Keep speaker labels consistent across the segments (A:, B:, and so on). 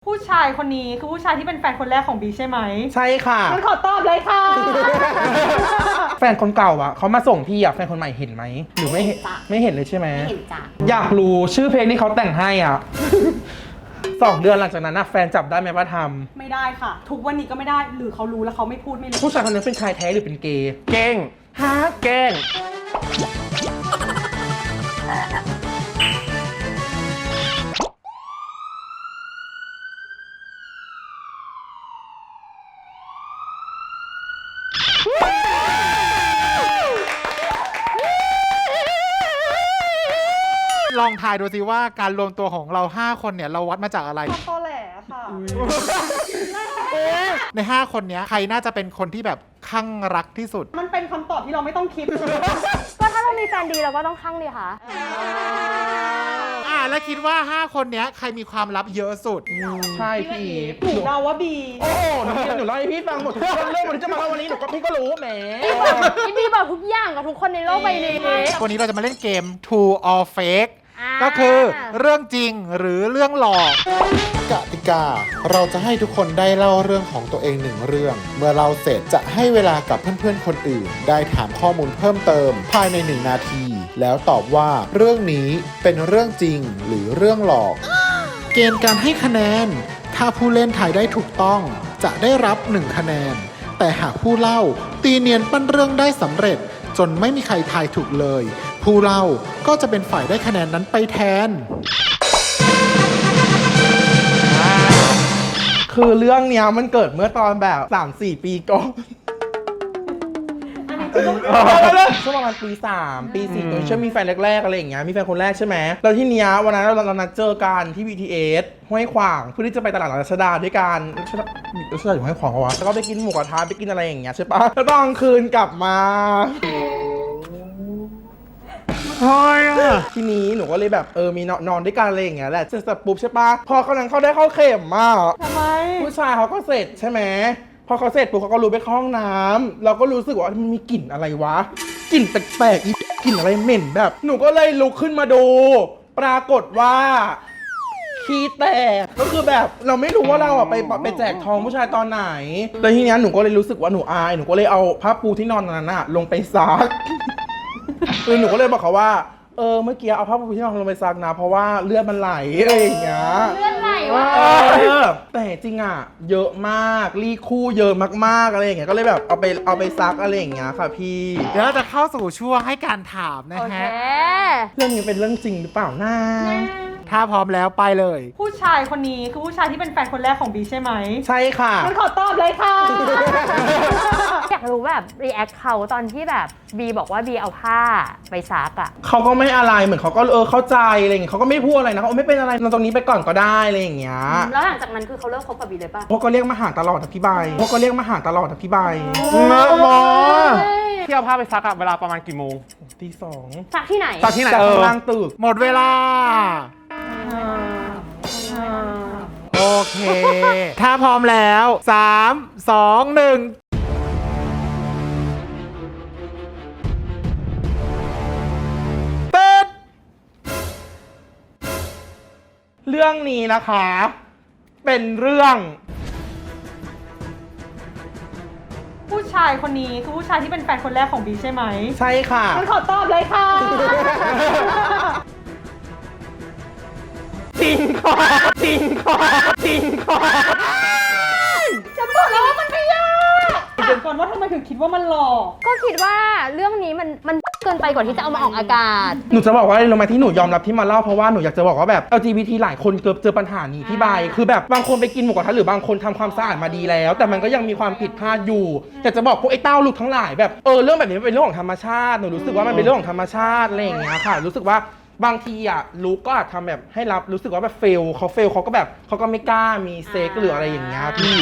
A: ผู้ชายคนนี้คือผู้ชายที่เป็นแฟนคนแรกของบีใช่ไหม
B: ใช่ค่ะ
A: งั้นขอตอบเลยค่ะ
B: แฟนคนเก่าอ่ะเขามาส่งพี่อ่ะแฟนคนใหม่เห็นไหมหรือไม่เห็นไม่เห็นเลยใช่ไหม
C: ไม่เห็นจ้ะ
B: อยากรู้ชื่อเพลงที่เขาแต่งให้อ่ะ 2 เดือนหลังจากนั้นนะแฟนจับได้ไหมว่าทำ
A: ไม่ได้ค่ะ ทุกวันนี้ก็ไม่ได้หรือเขารู้แล้วเขาไม่พูดไม่รู้
B: ผู้ชายคนนั้นเป็นชายแท้หรือเป็นเกย์
D: เก้ง
B: ฮะแกล้ง
D: ลองทายดูสิว่าการรวมตัวของเรา5คนเนี่ยเราวัดมาจากอะไร
A: ตอแหลค่ะ
D: ใน5คนเนี้ยใครน่าจะเป็นคนที่แบบคลั่งรักที่สุด
A: มันเป็นคำตอบที่เราไม่ต้องคิด
C: ก็ถ้าเรามีแฟนดีเราก็ต้องข้างดีค่ะ
D: แล้วคิดว่า5คนเนี้ยใครมีความลับเยอะสุด
B: ใช่พี่
A: หนูเดาว่าบี
B: โอ้หนูเล่าให้พี่ฟังหมดทุกเรื่องวันนี้จะมาเล่าวันนี้พี่ก็รู้แหม
C: พี่บีบอกทุกอย่างกับทุกคนในโลกใบนี้
D: วันนี้เราจะมาเล่นเกม True or Fake ก็คือเรื่องจริงหรือเรื่องหลอก
E: กติกาเราจะให้ทุกคนได้เล่าเรื่องของตัวเอง1เรื่องเมื่อเราเสร็จจะให้เวลากับเพื่อนๆคนอื่นได้ถามข้อมูลเพิ่มเติมภายใน1นาทีแล้วตอบว่าเรื่องนี้เป็นเรื่องจริงหรือเรื่องหลอกเกณฑ์การให้คะแนนถ้าผู้เล่นถ่ายได้ถูกต้องจะได้รับ1คะแนนแต่หากผู้เล่าตีเนียนปั้นเรื่องได้สำเร็จจนไม่มีใครทายถูกเลยผู้เล่าก็จะเป็นฝ่ายได้คะแนนนั้นไปแทน
B: คือเรื่องเนี้ยมันเกิดเมื่อตอนแบบ 3-4 ปีก่อนช่วงประมาณปี 3 ปี 4 ตอนช่วงมีแฟนแรกๆอะไรอย่างเงี้ยมีแฟนคนแรกใช่ไหมแล้วที่เนี้ยวันนั้นเรานัดเจอกันที่ BTS ห้วยขวางเพื่อที่จะไปตลาดรัชดาด้วยกันรัชดาอยู่ห้วยขวางวะแล้วก็ไปกินหมูกระทะไปกินอะไรอย่างเงี้ยใช่ปะแล้วตอนคืนกลับมาทีนี้หนูก็เลยแบบมีนอนด้วยกันอะไรอย่างเงี้ยแหละเสร็จปุ๊บใช่ปะพอเขานั้นเขาได้เข้าเข็มมา
A: ทำไม
B: ผู้ชายเขาก็เสร็จใช่ไหมพอเขาเสร็จปุ๊บเขาก็รู้ไปเข้าห้องน้ำเราก็รู้สึกว่ามันมีกลิ่นอะไรวะกลิ่นแปลกๆกลิ่นอะไรเหม็นแบบหนูก็เลยลุกขึ้นมาดูปรากฏว่าขี้แตกก็คือแบบเราไม่รู้ว่าเราอะไปแจกทองผู้ชายตอนไหนแล้วทีนี้หนูก็เลยรู้สึกว่าหนูอายหนูก็เลยเอาผ้าปูที่นอนนั้นอะลงไปซักคือหนูก็เลยบอกเขาว่าเมื่อกี้เอาผ้าปูที่นอนลงไปซักนะเพราะว่าเลือดมันไหลอะไรอย่างเงี้ย
C: เลือดไหลวะ
B: แต่จริงอ่ะเยอะมากรีคู่เยอะมากๆอะไรอย่างเงี้ยก็เลยแบบเอาไปซักอะไรอย่างเงี้ยค่ะพี่
D: เดี๋ยวเราจะเข้าสู่ช่วงให้การถามนะฮะ
B: เรื่องนี้เป็นเรื่องจริงหรือเปล่านะ
D: ถ้าพร้อมแล้วไปเลย
A: ผู้ชายคนนี้คือผู้ชายที่เป็นแฟนคนแรกของบีใช่ไหม
B: ใช่ค่ะ
A: งั้นขอตอบเลยค่ะ
C: อยากรู้แบบรีแอคเขาตอนที่แบบบีบอกว่าบีเอาผ้าไปซักอ่ะ
B: เขาก็ไม่อะไรเหมือนเขาก็เข้าใจอะไรอย่างเงี้ยเขาก็ไม่พูดอะไรนะเขาไม่เป็นอะไรตรงนี้ไปก่อนก็ได้อะไรอย่างเงี้ย
C: แล้วหลังจากนั้นคือเขาเลิกคบกับบีเลยป่ะ
B: พวกก็เรียกมาหาตลอดพี่ใบพวกก็เรียกมาหาตลอดพี่ใบ
D: หมอที่เอาผ้าไปซักอะเวลาประมาณกี่โมง
B: ตี 2
C: ซักที่ไหน
D: ซักที่ไหน
B: ข้างล่างตึก
D: หมดเวลาโอเคถ้าพร้อมแล้ว3 2 1
B: เรื่องนี้นะคะเป็นเรื่อง
A: ผู้ชายคนนี้คือผู้ชายที่เป็นแฟนคนแรกของบีใช่ไหม
B: ใช่ค่ะ
A: งั้นขอตอบเลยค่ะ
B: จริงค่ะจริงค่ะจริงค่ะ
A: ฉันบอกแล้วว่ามันไม่ยากเดี๋ยวก่อนว่าทำไมถึงคิดว่ามันหลอก
C: ก็คิดว่าเรื่องนี้มันเกินไปกว่าที่จะเอามาออกอากาศ
B: หนูจะบอกว่ารู้ไหมที่หนูยอมรับที่มาเล่าเพราะว่าหนูอยากจะบอกว่าแบบ LGBT หลายคนเจอปัญหานี้ที่ใบคือแบบบางคนไปกินหมูกระทะหรือบางคนทำความสะอาดมาดีแล้วแต่มันก็ยังมีความผิดพลาดอยู่อยากจะบอกพวกไอ้เต้าลูกทั้งหลายแบบเรื่องแบบนี้เป็นเรื่องของธรรมชาติหนูรู้สึกว่ามันเป็นเรื่องของธรรมชาติอะไรอย่างเงี้ยค่ะรู้สึกว่าบางทีอ่ะลูกก็อาจทำแบบให้รับรู้สึกว่าแบบเฟลเขาก็แบบเขาก็ไม่กล้ามีเซ็กหรืออะไรอย่างเงี้ยพี่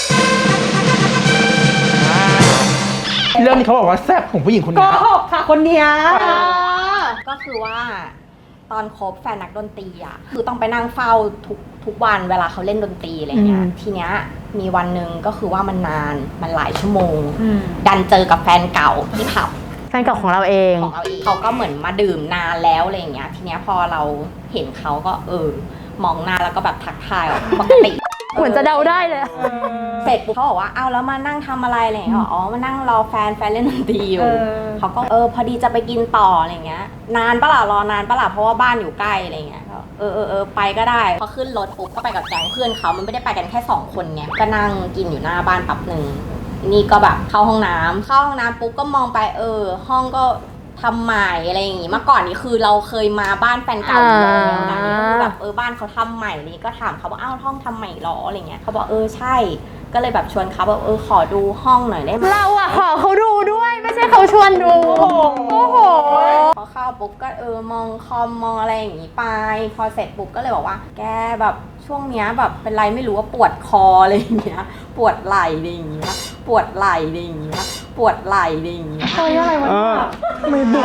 B: เรื่องนี้เขาบอกว่าแซ่บของผู้หญิงคนนี้
A: โกหกค่ะคนเนี้ย
F: ก็คือว่าตอนคบแฟนนักดนตรีอ่ะคือต้องไปนั่งเฝ้าทุกวันเวลาเขาเล่นดนตรีอะไรเงี้ยทีเนี้ยมีวันหนึ่งก็คือว่ามันนานมันหลายชั่วโมงดันเจอกับแฟนเก่าที่ผับ
C: แฟนเก่าของเราเอง
F: เขาก็เหมือนมาดื่มนานแล้วอะไรเงี้ยทีเนี้ยพอเราเห็นเขาก็มองหน้าแล้วก็แบบทักทายปกติ
C: เหมือนจะเดาได้เลย
F: เสร็จปุ๊บเขาบอกว่าอ้าวแล้วมานั่งทำอะไรอะไรอย่างเงี้ยอ๋อมานั่งรอแฟนเล่นดนตรีอยู่เขาก็พอดีจะไปกินต่ออะไรเงี้ยนานปะล่ะรอนานปะล่ะเพราะว่าบ้านอยู่ใกล้อะไรเงี้ยไปก็ได้พอขึ้นรถปุ๊บก็ไปกับแก๊งเพื่อนเขามันไม่ได้ไปกันแค่2คนไงก็นั่งกินอยู่หน้าบ้านแป๊บนึงนี่ก็แบบเข้าห้องน้ำปุ๊บก็มองไปห้องก็ทำใหม่อะไรอย่างงี้เมื่อก่อนนี้คือเราเคยมาบ้านแฟนเก่าอยู่แล้วนะนี่ก็คือแบบบ้านเขาทำใหม่นี่ก็ถามเขาว่าอ้าวห้องทำใหม่หรออะไรเงี้ยเขาบอกใช่ก็เลยแบบชวนเขาแบบขอดูห้องหน่อยได้ไหม
C: เราอะขอเขาดูด้วยไม่ใช่เขาชวนดูโอ้โห
F: พอเข้าปุ๊บก็มองคอมมองอะไรอย่างงี้ไปพอเสร็จปุ๊บก็เลยบอกว่าแกแบบช่วงเนี้ยแบบเป็นไรไม่รู้ว่าปวดคออะไรอย่างเงี้ยปวดไหล่อะไรอย่างเงี้ยปวดไหล่อะไรอย่างเงี้ยปวดไหล่อะไรอย่างเงี้ย
A: เฮ้ยอะไรวะเนี่ย
B: ไม่บอก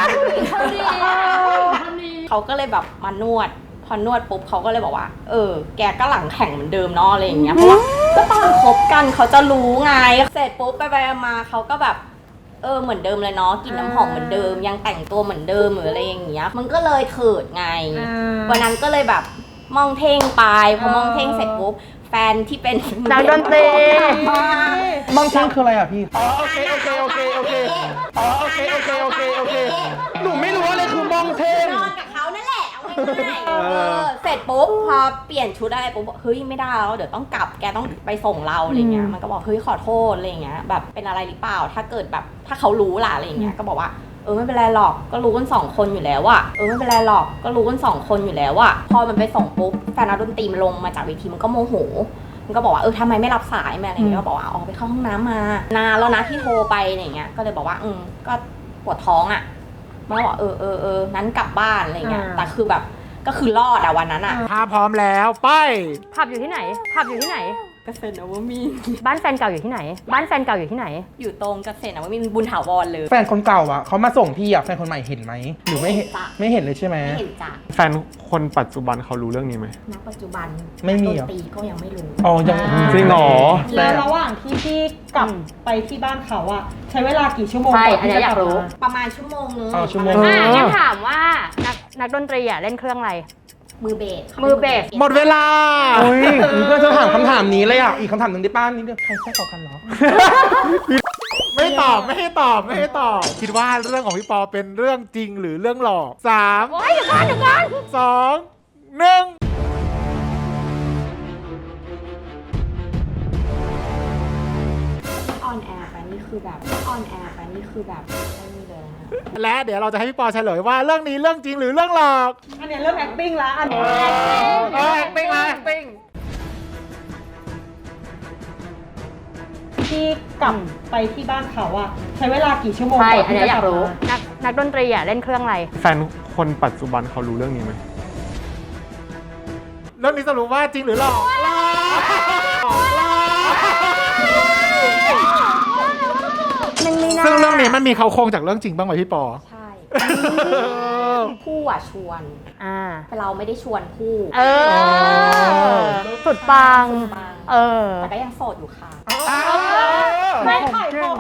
F: เขาก็เลยแบบมานวดพอนวดปุ๊บเขาก็เลยบอกว่าแกก็หลังแข็งเหมือนเดิมเนาะอะไรอย่างเงี้ยเพราะว่าก็ตอนคบกันเขาจะรู้ไงเสร็จปุ๊บไปมาเขาก็แบบเหมือนเดิมเลยเนาะกินน้ำหอมเหมือนเดิมยังแต่งตัวเหมือนเดิมหรืออะไรอย่างเงี้ยมันก็เลยเถิดไงวันนั้นก็เลยแบบมองเท่งไปพอมองเท่งเสร็จปุ๊บแฟนที่เป็น
C: นักดนตรี
B: บางครั้งคืออะไรอ่ะพี่โอเคหนูไม่รู้อะไรคือมองเท่ง
F: นอนกับเขานั่นแหละเอาง่ายๆเสร็จปุ๊บพอเปลี่ยนชุดอะไรปุ๊บเฮ้ยไม่ได้แล้วเดี๋ยวต้องกลับแกต้องไปส่งเราอะไรเงี้ยมันก็บอกเฮ้ยขอโทษอะไรเงี้ยแบบเป็นอะไรหรือเปล่าถ้าเกิดแบบถ้าเขารู้ล่ะอะไรเงี้ยก็บอกว่าไม่เป็นไรหรอกก็รู้กัน2คนอยู่แล้วอะไม่เป็นไรหรอกก็รู้กัน2คนอยู่แล้วอะพอมันไปส่งปุ๊บแฟนนักดนตรีมันลงมาจากเวทีมันก็โมโหมันก็บอกว่าทำไมไม่รับสายแม่อะไรเงี้ยก็บอกว่าไปเข้าห้องน้ำมานานแล้วนะที่โทรไปอะไรเงี้ยก็เลยบอกว่าก็ปวดท้องอะมันก็บอกนั้นกลับบ้านอะไรเงี้ยแต่คือแบบก็คือรอดอะวันนั้นอะ
D: ถ้าพร้อมแล้วไป
C: ผับอยู่ที่ไหน
F: เกษตรนวมินทร์
C: บ้านแฟนเก่าอยู่ที่ไหน
F: อยู่ตรงเกษตรนวมินทร์บุญถาวรเลย
B: แฟนคนเก่าอ่ะเขามาส่งพี่อ่ะแฟนคนใหม่เห็นไหมหรือไม่เห็น
F: จ้ะ
B: ไม่เห็นเลยใช่ไหม
F: ไม่เห็นจ้ะ
G: แฟนคนปัจจุบันเขารู้เรื่องนี้ไหม
F: ณปัจจุบัน
B: ไม่มี
F: ด
B: เหรอ
F: นตรีก็ยังไม่รู้
B: อ๋อยัง
G: จริงเหรอ
A: แล้วระหว่างที่พี่กลับไปที่บ้านเขาอะใช้เวลากี่ชั่วโมง
C: ใช่
A: ก่อน
C: อัน
A: ที่
C: นี้
A: จะ
C: อก
A: ลั
C: ยา
A: บ
C: กรู้
A: มา
F: ประมาณชั่วโมงนึง
B: ชั่วโมง
C: งั้นถามว่านักดนตรีเล่นเครื่องอะไร
F: มือเบส
C: มือเบส
D: หมดเวลา
B: อุ้ยนี่ก็จะถามคำถามนี้เลยอ่ะอีกคำถามหนึ่งได้ป้านี่เรื่องใครแซ่บกว่ากันเหรอ
D: ไม่ให้ตอบ คิดว่าเรื่องของพี่ปอเป็นเรื่องจริงหรือเรื่องหลอก3
C: โอ้ยเดี๋ยวก่อน
D: 2 1
F: ออนแอร์ไปนี่คือแบบไม่มีเลยนะ
D: และเดี๋ยวเราจะให้พี่ปอเฉลยว่าเรื่องนี้เรื่องจริงหรือเรื่องหลอก
A: อันเนี้ยเริ่ม acting ละอันนี้
D: acting มา acting
A: พี่กลับไปที่บ้านเขาอะใช้เวลากี่ชั่วโมง
C: ใช่
A: ก่อน
C: อัน
A: ที่
C: นี้
A: จะ
C: อก
A: ลั
C: ยา
A: บ
C: กรู้
A: มา
C: นักดนตรีเล่นเครื่องอะไร
G: แฟนคนปัจจุบันเขารู้เรื่องนี้ไหม
D: เรื่องนี้สรุปว่าจริงหรือหลอกหลอกซึ่งเรื่องนี้มันมีเขาโครงจากเรื่องจริงบ้างไหมพี่ปอ
F: ใช่ผู้อะชวนแต่เราไม่ได้ชวนผู้
C: สุดปัง
F: แต่ก็ยังโสดอยู่ค่ะ
A: ไม่ขายของ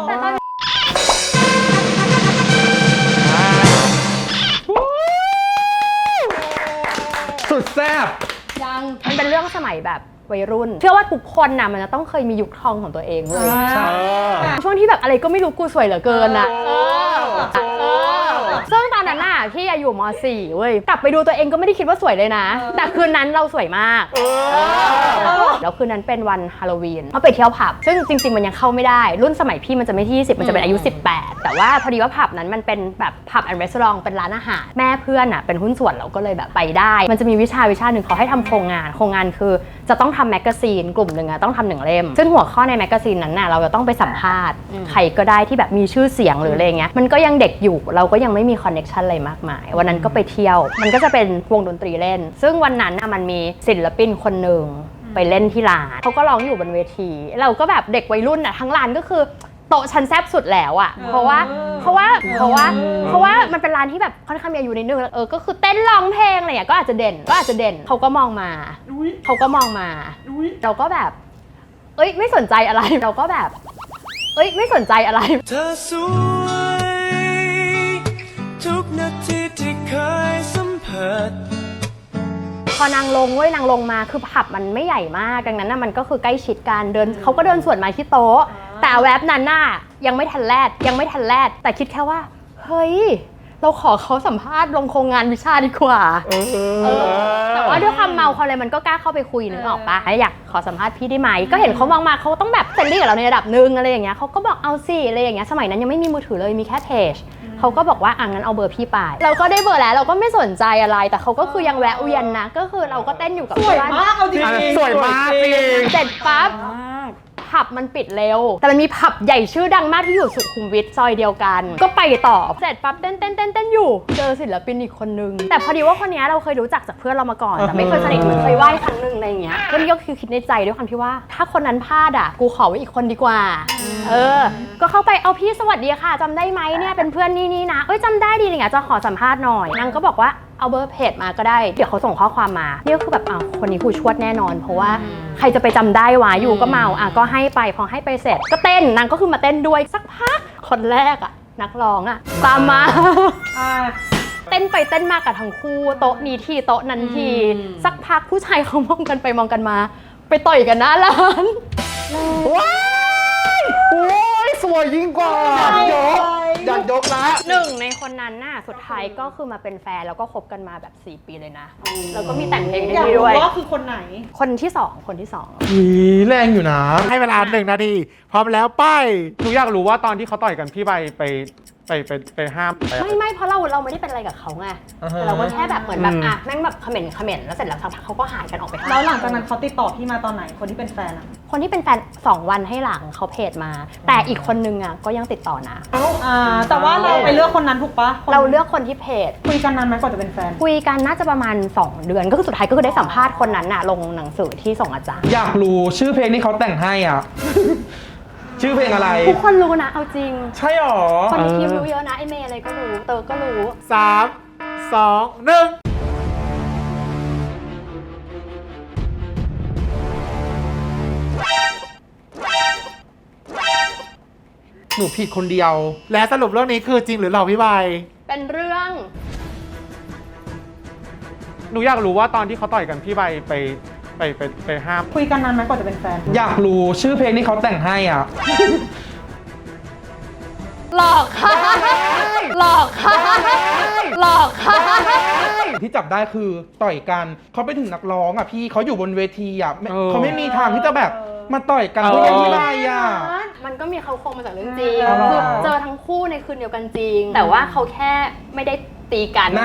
B: สุดแซ่บ
C: ยังมันเป็นเรื่องสมัยแบบวัยรุ่น เชื่อว่าทุกคนนะมันจะต้องเคยมียุคทองของตัวเองเลยช่วงที่แบบอะไรก็ไม่รู้กูสวยเหลือเกินนะซึ่งตอนนั้นน่ะพี่อยู่ม .4 เว้ยกลับไปดูตัวเองก็ไม่ได้คิดว่าสวยเลยนะ แต่คืนนั้นเราสวยมากแล้วคืนนั้นเป็นวันฮาโลวีนเขาไปเที่ยวผับซึ่งจริงๆมันยังเข้าไม่ได้รุ่นสมัยพี่มันจะไม่ที่20มันจะเป็นอายุ18แต่ว่าพอดีว่าผับนั้นมันเป็นแบบผับแอนด์รีสอร์ทเป็นร้านอาหารแม่เพื่อนอ่ะเป็นหุ้นส่วนเราก็เลยแบบไปได้มันจะมีวิชาหนึ่งเขาให้ทำโครงงานคือจะต้องทำแมกกาซีนกลุ่มหนึ่งอะต้องทำ1 เล่มซึ่งหัวข้อในแมกกาซีนนั้นน่ะเราจะต้องไปสัมภาษณ์ใครก็ได้ที่แบบมีชื่อเสียงหรืออะไรเงี้ยมันก็ยังเด็กอยู่เราก็ยังไม่มีคอนเนคชั่นอะไรมากมายวันนั้นก็ไปเที่ยวมันก็จะเป็นวงดนตรีเล่นซึ่งวันนั้นน่ะมันมีศิลปินคนหนึ่งไปเล่นที่ร้านเขาก็ร้องอยู่บนเวทีเราก็แบบเด็กวัยรุ่นอะทั้งร้านก็คือโต๊ะชั้นแซบสุดแล้วอะเพราะว่ามันเป็นร้านที่แบบค่อนข้างมีอายุนิดนึงก็คือเต้นร้องเพลงอะไรอย่างเงี้ยก็อาจจะเด่นเขาก็มองมาเราก็แบบไม่สนใจอะไรเราก็แบบไม่สนใจอะไร
H: เธอสวยทุกนาทีที่เคยสัมผัส
C: พอนางลงเว้ยนางลงมาคือผับมันไม่ใหญ่มากดังนั้นน่ะมันก็คือใกล้ชิดกันเดินเขาก็เดินสวนมาที่โต๊ะแต่แวบนั้นน่ะยังไม่ทันแลดแต่คิดแค่ว่าเฮ้ยเราขอเขาสัมภาษณ์ลงโครงงานวิชาดีกว่าแต่ว่าด้วยความเมาเขาเลยมันก็กล้าเข้าไปคุยนึกออกปะอยากขอสัมภาษณ์พี่ได้ไหมก็เห็นเขามองมาเขาต้องแบบเฟรนลี่กับเราในระดับนึงอะไรอย่างเงี้ยเขาก็บอกเอาสิอะไรอย่างเงี้ยสมัยนั้นยังไม่มีมือถือเลยมีแค่เพจเขาก็บอกว่างั้นเอาเบอร์พี่ไปเราก็ได้เบอร์แล้วเราก็ไม่สนใจอะไรแต่เขาก็คือยังแวะเวียนนะก็คือเราก็เต้นอยู่กับ
A: สวย
C: เพื่อน
A: มากเอาจริงๆ
G: สวยมากจริง
C: เสร็จปั๊บผับมันปิดเร็วแต่มันมีผับใหญ่ชื่อดังมากที่อยู่สุขุมวิทซอยเดียวกันก็ไปต่อเสร็จปั๊บเต้นอยู่เจอศิลปินอีกคนนึงแต่พอดีว่าคนนี้เราเคยรู้จักจากเพื่อนเรามาก่อนแต่ไม่เคยสนิทเหมือนเคยไหว้ครั้งนึงอะไรอย่างเงี้ยก็นี่ก็คือคิดในใจด้วยความที่ว่าถ้าคนนั้นพลาดอ่ะกูขอไว้อีกคนดีกว่าก็เข้าไปเอาพี่สวัสดีค่ะจำได้ไหมเนี่ยเป็นเพื่อนนี่นะจำได้ดีอะไรเงี้ยจะขอสัมภาษณ์หน่อยนางก็บอกว่าเอาเบอร์เพจมาก็ได้เดี๋ยวเขาส่งข้อความมานี่ก็คือแบบคนนี้ผู้ชวดแน่นอนเพราะว่าใครจะไปจำได้วะอยู่ก็เมาก็ให้ไปพอให้ไปเสร็จก็เต้นนางก็คือมาเต้นด้วยสักพักคนแรกนักร้องตามมาเต้นไปเต้นมากับทั้งคู่โต๊ะนี้ทีโต๊ะนั้นทีสักพักผู้ชายเขามองกันไปมองกันมาไปต่อยกันหน้าร้านว้ายโอ้ยสวยยิ่งกว่า
B: อยากยกละ
C: หนึ่งในคนนั้นน่ะสุดท้ายก็คือมาเป็นแฟนแล้วก็คบกันมาแบบ4 ปีเลยนะแล้วก็มีแต่งเพลงให้
A: อยาก
C: พี่
A: รู้
C: ด้วย
A: ว่าคือคนไหน
C: คนที่สอง
B: แรงอยู่นะ
D: ให้เวลา1 นาทีพร้อมแล้วไป
G: หนูอยากรู้ว่าตอนที่เขาต่อยกันพี่ใบไปห้ามไป
C: ไม่เพราะเราไม่ได้เป็นอะไรกับเขาไงแต่เราก็แค่แบบเหมือนแบบแม่งแบบเขม่นแล้วเสร็จแล้วสักพักเขาก็หายกันออกไป
A: แล้วหลังจากนั้นเขาติดต่อพี่มาตอนไหนคนที่เป็นแฟนอะ
C: คนที่เป็นแฟน2 วันให้หลังเขาเพจมา แต่อีกคนนึงก็ยังติดต่อนะ
A: แต่ว่าเราไปเลือกคนนั้นถูกปะ
C: เราเลือกคนที่เพจ
A: คุยกันนานไหมกว่าจะเป็นแฟน
C: คุยกันน่าจะประมาณ2 เดือนก็คือสุดท้ายก็คือได้สัมภาษณ์คนนั้นน่ะลงหนังสือที่ส่งอาจารย์
B: อยากรู้ชื่อเพลงที่เขาแต่งให้อ่ะ ชื่อเพลงอะไร
C: ทุกคนรู้นะเอาจริง
B: ใช่หรอ
C: คนในทีมรู้เยอะนะไอเมย์อะไรก็รู้เตอร์ก็รู้
D: 3 2 1
B: หนูผิดคนเดียว
D: และสรุปเรื่องนี้คือจริงหรือหลอกพี่ใบ
C: เป็นเรื่อง
G: หนูอยากรู้ว่าตอนที่เขาต่อยกันพี่ใบไปห้าม
A: คุยกันนานไหมกว่าจะเป็นแฟน
B: อยากรู้ชื่อเพลงที่เขาแต่งให้อ่ะ
C: หลอกค่ะหลอกค่ะหลอกค่ะ
B: ที่จับได้คือต่อยกันเขาไปถึงนักร้องอ่ะพี่เขาอยู่บนเวทีอ่ะเขาไม่มีทางที่จะแบบมาต่อยกันเพื่อที่ไรอ่ะ
C: มันก็มีเขาโครงมาจากเรื่องจริง
B: อ๋อ
C: คือเจอทั้งคู่ในคืนเดียวกันจริง แต่ว่าเขาแค่ไม่ได้ตีกัน
B: นะ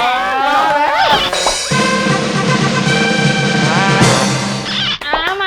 C: มา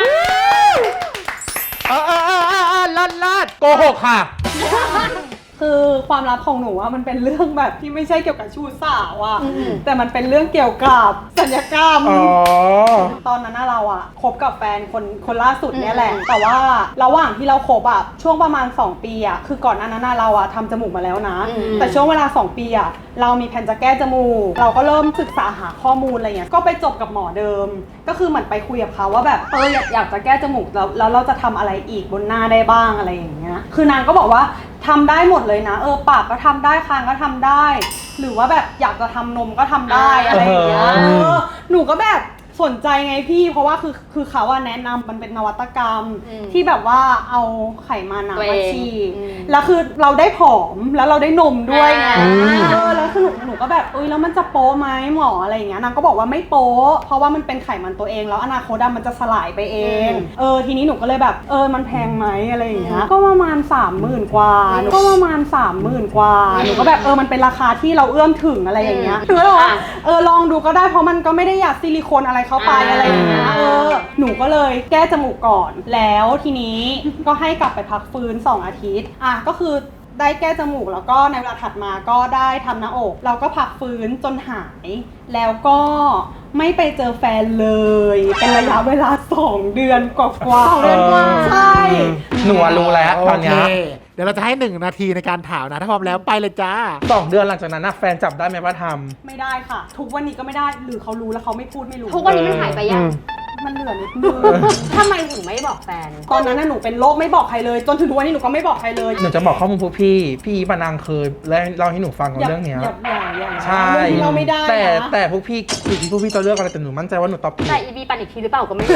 B: ลาดโกหกค่ะ
A: คือความลับของหนูอะมันเป็นเรื่องแบบที่ไม่ใช่เกี่ยวกับชู้สาวอะแต่มันเป็นเรื่องเกี่ยวกับสัญญกรรม ตอนนั้นเราอะคบกับแฟนคนล่าสุดเนี่ยแหละ แต่ว่าระหว่างที่เราคบอะช่วงประมาณ2 ปีอะคือก่อนหน้านั้นเราอะทำจมูกมาแล้วนะ แต่ช่วงเวลา2 ปีอะเรามีแผนจะแก้จมูกเราก็เริ่มศึกษาหาข้อมูลอะไรเงี้ยก็ไปจบกับหมอเดิม ก็คือเหมือนไปคุยกับเขาว่าแบบอยากจะแก้จมูกแล้วเราจะทำอะไรอีกบนหน้าได้บ้างอะไรอย่างเงี้ยคือนางก็บอกว่าทำได้หมดเลยนะปากก็ทำได้คางก็ทำได้ หรือว่าแบบอยากจะทำนมก็ทำได้อะไรอย่างเงี้ยหนูก็แบบสนใจไงพี่เพราะว่าคือเขาแนะนำมันเป็นนวัตกรรมที่แบบว่าเอาไขมันมาฉีดแล้วคือเราได้ผอมแล้วเราได้นมด้วยไงแล้วคือหนูก็แบบแล้วมันจะโป๊ไหมหมออะไรอย่างเงี้ยนางก็บอกว่าไม่โป๊เพราะว่ามันเป็นไขมันตัวเองแล้วอนาคตมันจะสลายไปเองทีนี้หนูก็เลยแบบมันแพงไหมอะไรอย่างเงี้ยก็ประมาณ 30,000 กว่าหนูก็ประมาณ 30,000 กว่าหนูก็แบบมันเป็นราคาที่เราเอื้อมถึงอะไรอย่างเงี้ยหนูก็เลยว่าลองดูก็ได้เพราะมันก็ไม่ได้อยากซิลิโคนอะไรเข้าไปอะไรอย่างเงี้ยหนูก็เลยแก้จมูกก่อนแล้วทีนี้ก็ให้กลับไปพักฟื้น2 อาทิตย์ก็คือได้แก้จมูกแล้วก็ในเวลาถัดมาก็ได้ทำหน้าอกเราก็พักฟื้นจนหายแล้วก็ไม่ไปเจอแฟนเลยเป็นระยะเวลา2 เดือนกว่าๆ2 เดือนกว่าใช่
B: หนูรู้แล้วตอนเนี้ย
D: โเคเดี๋ยวเราจะให้1 นาทีในการถามนะถ้าพร้อมแล้วไปเลยจ้า
B: 2 เดือนหลังจากนั้นแฟนจับได้ไหมว่าทำ
A: ไม่ได้ค่ะ ทุกวันนี้ก็ไม่ได้หรือเขารู้แล้วเขาไม่พูดไม่รู้
C: ทุกวันนี้มันหายไปยัง
A: มันเหลือนิดนึง
C: ทำไมถึงไม่บอกแฟน
A: ตอนนั้นน่ะหนูเป็นโรคไม่บอกใครเลย จนถึงทุกวันนี้หนูก็ไม่บอกใครเลย
B: หนูจะบอกข้อมูลพวกพี่ปานางเคยเล่าให้หนูฟังเรื่องเนี้ย
A: อย่า
B: ใช่
A: เรื่องที่เราไม่ได้นะ
B: แต่พวกพี่อยู่ที่พวกพี่จะเลือกอะไรแต่หนูมั่นใจว่าหนูตอบผิด
C: แต่อีบีปันอีกทีหรือเปล่าก็ไม่รู้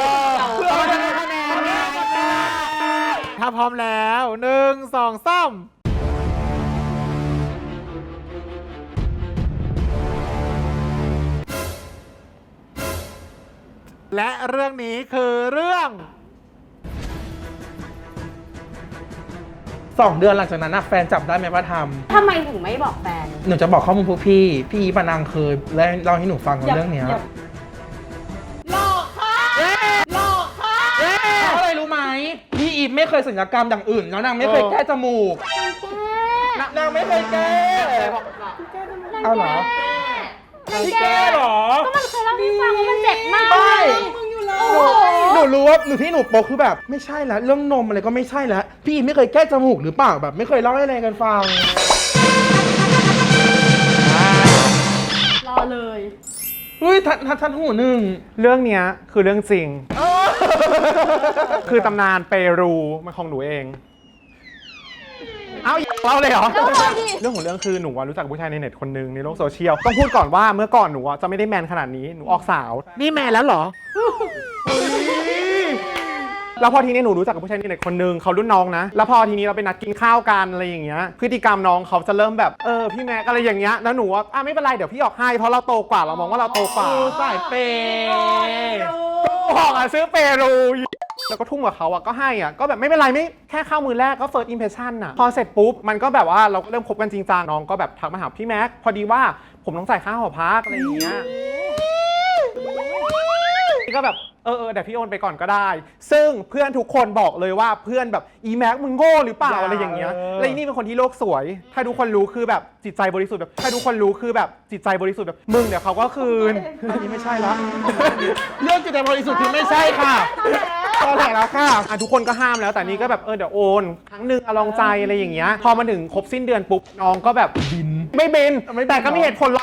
D: ถ้าพร้อมแล้ว1 2 3และเรื่องนี้คือเรื่อง
B: 2 เดือนหลังจากนั้นนะแฟนจับได้ไหมว่าท
C: ทำไมถึงไม่บอกแฟน
B: ำหนูจะบอกข้อมูลพวกพี่ปานางเคยเล่าให้หนูฟังเรื่องเนี้ย
A: หลอกค่ะหลอกค่ะ
B: เพราะอะไรรู้ไหมพี่อีฟไม่เคยศัลยกรรมอย่างอื่นแล้วนางไม่เคยแก้จมูกนางไม่เคยแก้เอาเหรอพี่แก้เหรอ
C: ก็มันเคยเล่าให้ฟังว่ามันเจ็บมาก
B: ไม่
A: มึงอยู่เลย
B: หนูรู้ว่าที่หนูโปกคือแบบไม่ใช่แล้วเรื่องนมอะไรก็ไม่ใช่แล้วพี่อีฟไม่เคยแก้จมูกหรือเปล่าแบบไม่เคยเล่าให้อะไรกันฟัง
A: รอเลย
B: เฮ้ยทันหูหนึ่ง
G: เรื่องเนี้ยคือเรื่องจริง คือตำนานเปรูมันของหนูเอง เอาเล่าเลยเหรอ เรื่องของเรื่องคือหนูรู้จักผู้ชายในเน็ตคนนึงในโลกโซเชียล ต้องพูดก่อนว่าเมื่อก่อนหนูจะไม่ได้แมนขนาดนี้ หนูออกสาว
D: นี่แม่แล้วเหรอ
G: แล้วพอทีนี้หนูรู้จักกับผู้ชายในเน็ตคนนึงเขารุ่นน้องนะ แล้วพอทีนี้เราไปนัดกินข้าวกันอะไรอย่างเงี้ย พฤติกรรมน้องเขาจะเริ่มแบบพี่แม็กอะไรอย่างเงี้ย แล้วหนูว่าไม่เป็นไรเดี๋ยวพี่ออกให้เพราะเราโตกว่าเรามองว่าเราโตกว่า
B: สายเปย์
G: บอกซื้อเปรูแล้วก็ทุ่มกับเขาก็ให้ก็แบบไม่เป็นไรไม่แค่เข้ามือแรกก็ first impression พอเสร็จปุ๊บมันก็แบบว่าเราก็เริ่มคบกันจริงจังน้องก็แบบทักมาหาพี่แม็กพอดีว่าผมต้องจ่ายค่าหอพักอะไรอย่างเงี้ยก็แบบเดี๋ยวพี่โอนไปก่อนก็ได้ซึ่งเพื่อนทุกคนบอกเลยว่าเพื่อนแบบอีแม็กมึงโง่หรือเปล่าอะไรอย่างเงี้ยแล้วนี่เป็นคนที่โลกสวยถ้าทุกคนรู้คือแบบจิตใจบริสุทธิ์แบบถ้าทุกคนรู้คือแบบจิตใจบริสุทธิ์แบบมึงเดี๋ยวเขาก็คืนอันนี้ไม่ใช่ละ
B: เรื่องจิตใจบริสุทธิ์คือไม่ใช่ค่ะตอนแรกแล้วค่ะ
G: ทุกคนก็ห้ามแล้วแต่นี่ก็แบบเดี๋ยวโอนครั้งหนึ่งลองใจอะไรอย่างเงี้ยพอมาถึงครบสิ้นเดือนปุ๊บน้องก็แบบบินไม่บินแต่ก็มีเหตุผล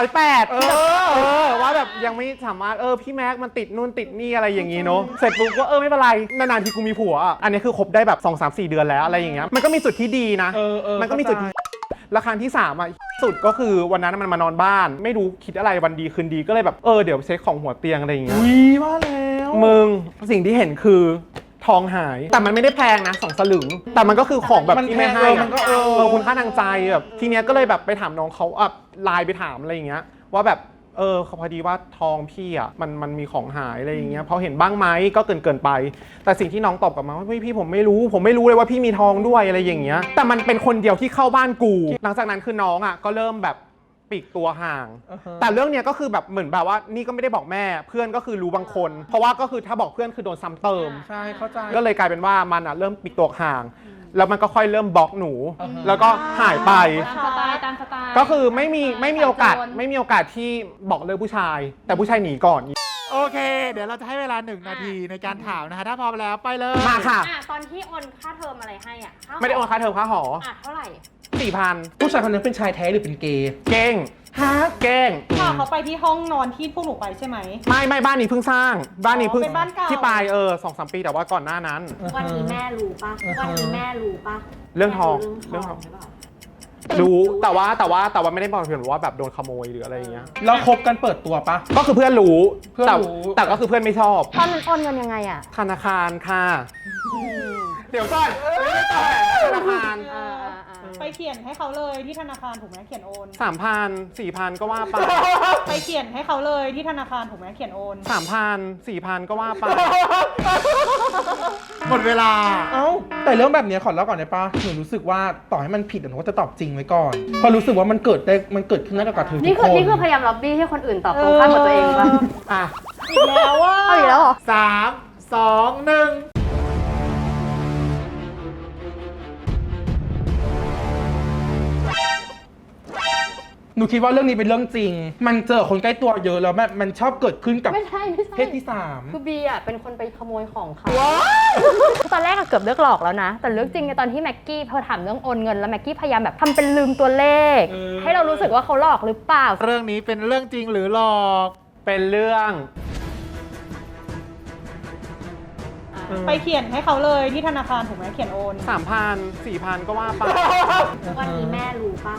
G: 108ว่าแบบยังไม่สามารถพี่แม็กมันติดนู่นติดนี่อะไรอย่างงี้เนาะเสร็จปุ๊บก็ไม่เป็นไรนานๆทีกูมีผัวอันนี้คือคบได้แบบ2-3-4 เดือนแล้วอะไรอย่างเงี้ยมันก็มีจุดที่ดีนะมันก็มีจุดที่ราคาที่3สุดก็คือวันนั้นมันมานอนบ้านไม่รู้คิดอะไรวันดีคืนดีก็เลยแบบเดี๋ยวเช็คของหัวเตียงอะไรอย่างเงี้ย
B: ว่าแล้ว
G: มึงสิ่งที่เห็นคือทองหายแต่มันไม่ได้แพงนะ2 สลึงแต่มันก็คือของแบบที่ไม่ให้มันก็คุณค่าทางใจแบบทีเนี้ยก็เลยแบบไปถามน้องเขาไลน์ไปถามอะไรอย่างเงี้ยว่าแบบพอดีว่าทองพี่มันมีของหายอะไรอย่างเงี้ยพอเห็นบ้างไหมก็เกินไปแต่สิ่งที่น้องตอบกลับมาว่าพี่ผมไม่รู้เลยว่าพี่มีทองด้วยอะไรอย่างเงี้ยแต่มันเป็นคนเดียวที่เข้าบ้านกูหลังจากนั้นคือน้องก็เริ่มแบบปีกตัวห่างแต่เรื่องเนี้ยก็คือแบบเหมือนแบบว่านี่ก็ไม่ได้บอกแม่เพื่อนก็คือรู้บางคนเพราะว่าก็คือถ้าบอกเพื่อนคือโดนซ้ำเติม
B: ใช่เข้าใจ
G: ก็เลยกลายเป็นว่ามันเริ่มปีกตัวห่างแล้วมันก็ค่อยเริ่มบล็อกหนูแล้วก็หายไป
C: ตามสไตล์
G: ก็คือไม่มีโอกาสที่บอกเลิกผู้ชาย แต่ผู้ชายหนีก่อน
D: โอเค เดี๋ยวเราจะให้เวลา1 นาทีในการถามนะคะ ถ้าพร้อมแล้วไปเลย
G: มาค่ะ
C: ตอนที่โอนค่าเทอมอะไรให้
G: ไม่ได้โอนค่าเทอมค่าหอ
C: เท่าไหร่
G: 4,000
B: ผู้ชายคนนั้นเป็นชายแท้หรือเป็นเกย์
G: เก้งเก้ง
A: พาเขาไปที่ห้องนอนที่พวกหนูไปใช่ไหม
G: ไม่บ้านนี้เพิ่งสร้างบ้านนี้เพิ่ง
A: เป็นบ้านเก่า
G: ที่ปลาย2-3 ปีแต่ว่าก่อนหน้านั้น
F: วันนี้แม่รู้ปะวันนี้แม่รู้ปะ
G: เรื่องทอง
F: เรื่องทองใช่ปะ
G: รู้แต่ว่าไม่ได้บอกเพื่อนว่าแบบโดนขโมยหรืออะไรอย่างเงี้ย
B: แล้วคบกันเปิดตัวปะ
G: ก็คือเพื่อนรู้
B: เพื่อนรู้
G: แต่ก็คือเพื่อนไม่ชอบ
C: ตอนนั้นโอนเงินยังไงอ่ะ
G: ธนาคารค่ะ เดี๋ยวก่อนธนาคาร
A: ไปเขียนให้เขาเลยที่ธนาคารถูกไหมเขียนโอน
G: 3,000 4,000 ก็ว่าไป
A: ไปเขียนให้เขาเลยที่ธนาคารถูกไหมเขียนโอน
G: 3,000 4,000 ก็ว่าไป
D: หมดเวลา
B: เอ้าแต่เรื่องแบบเนี้ยขอเล่าก่อนได้ปะหนูรู้สึกว่าต่อให้มันผิดหนูก็จะตอบจริงไว้ก่อนเพราะรู้สึกว่ามันเกิดขึ้นได้กับเธอทุ
C: นี่
B: ก
C: คือ
B: คน
C: นี่คือพยายามล็อบบี้ให้คนอื่นตอบตรงข้ามกับตัวเองป่ะ
G: อ่ะ
A: อีกแล้วว่า
C: เอาอีกแล้วเหรอ
D: 3 2 1
B: หนูคิดว่าเรื่องนี้เป็นเรื่องจริง มันเจอคนใกล้ตัวเยอะแล้วมันชอบเกิดขึ้นกับ
C: ไม่ใช่
B: เพศที่3
C: คือบีเป็นคนไปขโมยของเขาตอนแรกเกือบเลือกหลอกแล้วนะแต่เรื่องจริงในตอนที่แม็กกี้พอถามเรื่องโอนเงินแล้วแม็กกี้พยายามแบบทำเป็นลืมตัวเลข ให้เรารู้สึกว่าเขาหลอกหรือเปล่า
D: เรื่องนี้เป็นเรื่องจริงหรือหลอก
G: เป็นเรื่อง
A: ไปเขียนให้เขาเลยที่ธนาคารถูกไหมเขียนโอน
G: 3,000 4,000 ก็ว่าไป
F: วันนี้แม่รู้ปะ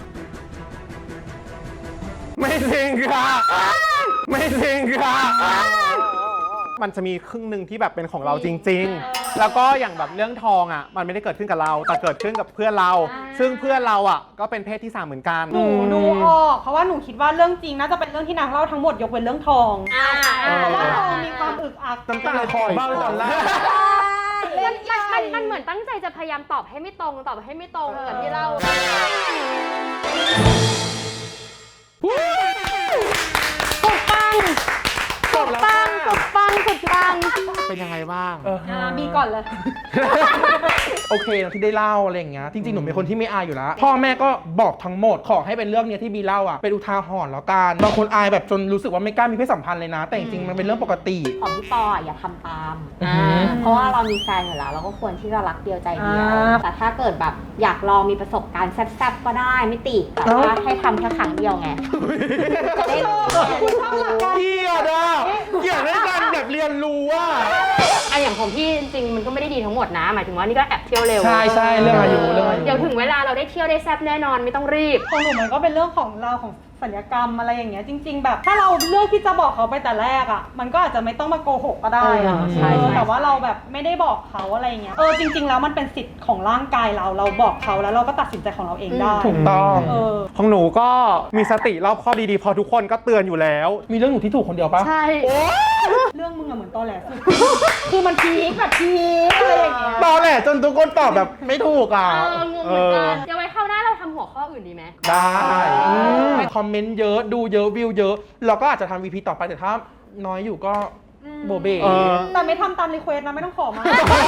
G: ไม่จริงค่ะ ไม่จริงค่ะ มันจะมีครึ่งหนึ่งที่แบบเป็นของเราจริง ๆ แล้วก็อย่างแบบเรื่องทองอ่ะ มันไม่ได้เกิดขึ้นกับเรา แต่เกิดขึ้นกับเพื่อนเรา ซึ่งเพื่อนเราอ่ะก็เป็นเพศที่ 3เหมือนกัน
A: หนูดูออกเพราะว่าหนูคิดว่าเรื่องจริงน่าจะเป็นเรื่องที่นางเล่าทั้งหมดยกเว้นเรื่องทองเพราะว่าทองมีความอึกอัก
B: น้ำตาคอยเบ้าตอนแรก
C: มันเหมือนตั้งใจจะพยายามตอบให้ไม่ตรงกับที่เล่าสุดปัง
D: เป็นยังไงบ้าง
A: มีก่อนเลย
B: โอเคนะที่ได้เล่าอะไรอย่างเงี้ยจริงๆหนูเป็นคนที่ไม่อายอยู่แล้วพ่อแม่ก็บอกทั้งหมดขอให้เป็นเรื่องเนี้ยที่บีเล่าอ่ะเป็นอุทาหรณ์แล้วกันบางคนอายแบบจนรู้สึกว่าไม่กล้ามีเพศสัมพันธ์เลยนะ แต่จริงๆมันเป็นเรื่องปกติ
F: ของพี่ปออย่าทำตาม เพราะว่าเรามีแฟนอยู่แล้วเราก็ควรที่จะรักเดียวใจเดียว แต่ถ้าเกิดแบบอยากลองมีประสบการณ์แซ่บๆก็ได้ไม่ติดแต่ว่าให้ทำแค่ครั้งเดียวไงจะได้รู้
A: คุณชอบหลักการ
B: เกลียดอ่ะเกลียดในการแบบเรียนรู้อ่ะ
C: อันอย่างของพี่จริงๆมันก็ไม่ได้ดีทั้งหมดนะหมายถึงว่านี่ก็แอบเที่ยวเร็ว
B: ใช่เรื่องอายุ
C: เดี๋ยวถึงเวลาเราได้เที่ยวได้แซ่บแน่นอนไม่ต้องรีบ
A: ของหนูมันก็เป็นเรื่องของเราของสัญญกรรมอะไรอย่างเงี้ยจริง ๆ แบบถ้าเราเลือกที่จะบอกเขาไปแต่แรกอ่ะมันก็อาจจะไม่ต้องมาโกหกก็ได้อ่ะ
C: ใช่
A: แต่ว่าเราแบบไม่ได้บอกเขาอะไรอย่างเงี้ยจริง ๆ แล้วมันเป็นสิทธิ์ของร่างกายเราบอกเขาแล้วเราก็ตัดสินใจของเราเองได้
B: ถูกต้อง
G: ของหนูก็มีสติรอบคอบดีๆ พอทุกคนก็เตือนอยู่แล้ว
B: มีเรื่องหนูที่ถูกคนเดียวปะ
C: ใช่
A: เรื่องมึงอะเหมือนตอแหลสุด คือมันพีคแบบพีคอะไรอย่างเงี้ย
B: ตอนแหละจนทุกคนตอบแบบไม่ถูกอ่ะ
C: งงเหมือนกันเดี๋ยวไว้คราวหน้าเราทำหัวข้ออื่นดีไหม
B: ได้คอมเมนต์เยอะดูเยอะวิวเยอะ เราก็อาจจะทำ VP ต่อไปแต่ถ้าน้อยอยู่ก็โบเบ
A: แต่ไม่ทำตามรีเควสนะไม่ต้องขอมา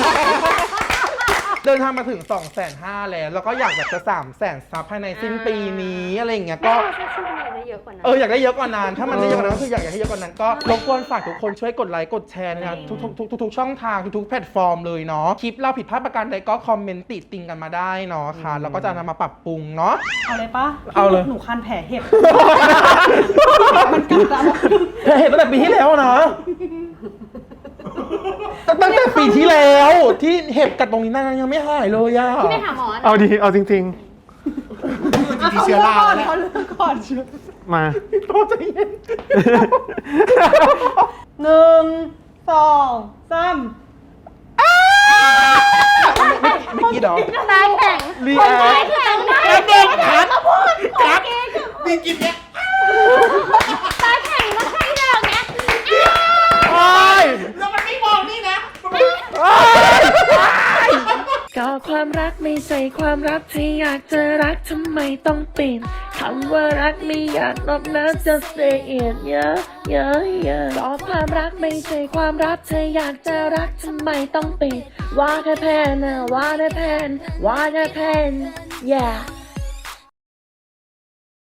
B: เดินทางมาถึง 250,000 แล้ว แล้วก็อยากจะ 300,000 ซับภายในสิ้นปีนี้อะไรอย่างเงี้ยก็
C: ชื่อมันได้เยอะกว่านั้น
B: อยากได้เยอะกว่านั้นถ้ามันได้เยอะกว่านั้นก็คืออยากให้เยอะกว่านั้นก็รบกวนฝากทุกคนช่วยกดไลค์กดแชร์นะทุกช่องทางทุกแพลตฟอร์มเลยเนาะคลิปเราผิดพลาดประการใดก็คอมเมนต์ติติงกันมาได้เนาะค่ะแล้วก็จะนำมาปรับปรุงเนาะ
A: เอาเลยปะ
B: เอาเลย
A: หนูคันแผลเห็บ มันกัดแล้ว
B: เห็นตั้งแต่ปีที่แล้วนะตั้งแต่ปีที่แล้วที่เห็บกัดตรงนี้นางยังไม่หายเลยอะ
C: พี่ไปหาหมอนะ
G: เอาดีเอาจริง
A: เขาเลือกก่อนเขาเลือกก่อน
G: ๆ มา
B: พี่โตใจเย็น
A: 1 2 3
B: ไม่คิดหรอ
C: ตาแข็ง
B: รี
C: คน
B: แอ
C: ตา
B: ค
C: แข็งนะ
B: เด็กครับครับมีกินเนี่ย
C: ตาแข็งมาใครเดิมเนี่ย
B: โอ้ย
H: ก็ความรักไม่ใช่ความรักที่อยากจะรักทำไมต้องปิดคำว่ารักไม่อยากนอกนั้นจะ say it yeah yeah yeah ก็ความรักไม่ใช่ความรักที่อยากจะรักทำไมต้องปิดว่าแค่แพ้นะว่าแค่แพ้ว่าแค่แพ้ yeah